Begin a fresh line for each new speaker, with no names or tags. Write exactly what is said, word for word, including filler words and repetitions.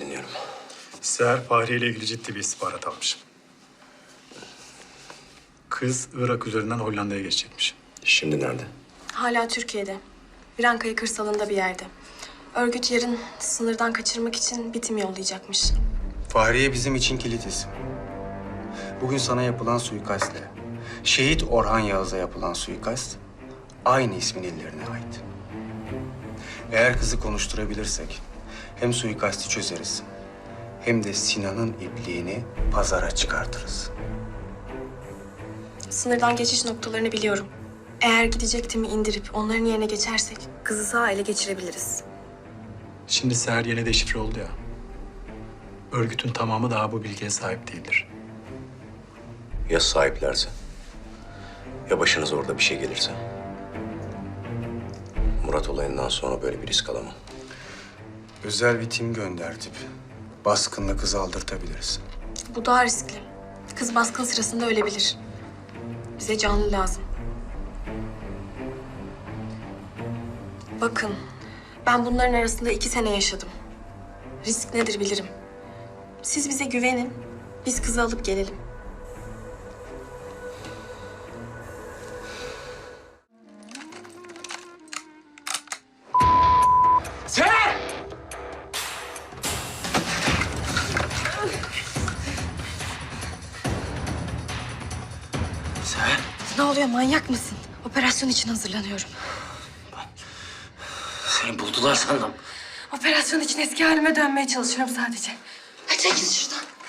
dinliyorum.
Seher Fahriye ile ilgili ciddi bir istihbarat almış. Kız Irak üzerinden Hollanda'ya geçecekmiş.
Şimdi nerede?
Hala Türkiye'de. Virankaya kırsalında bir yerde. Örgüt yarın sınırdan kaçırmak için bitim yollayacakmış.
Fahriye bizim için kilit isim. Bugün sana yapılan suikastle, şehit Orhan Yağız'a yapılan suikast aynı ismin ellerine ait. Eğer kızı konuşturabilirsek hem suikasti çözeriz hem de Sinan'ın ipliğini pazara çıkartırız.
Sınırdan geçiş noktalarını biliyorum. Eğer gidecek timi indirip onların yerine geçersek kızı sağ ele geçirebiliriz.
Şimdi Seher yine deşifre oldu ya. Örgütün tamamı daha bu bilgiye sahip değildir.
Ya sahiplerse? Ya başınıza orada bir şey gelirse? Murat olayından sonra böyle bir risk alamam.
Özel bir tim göndertip baskınla kızı aldırtabiliriz.
Bu daha riskli. Kız baskın sırasında ölebilir. Bize canlı lazım. Bakın, ben bunların arasında iki sene yaşadım. Risk nedir bilirim. Siz bize güvenin, biz kızı alıp gelelim.
Seher! Seher!
Ne oluyor, manyak mısın? Operasyon için hazırlanıyorum.
Seni buldular sandım.
Operasyon için eski halime dönmeye çalışıyorum sadece. Hadi çekil şuradan.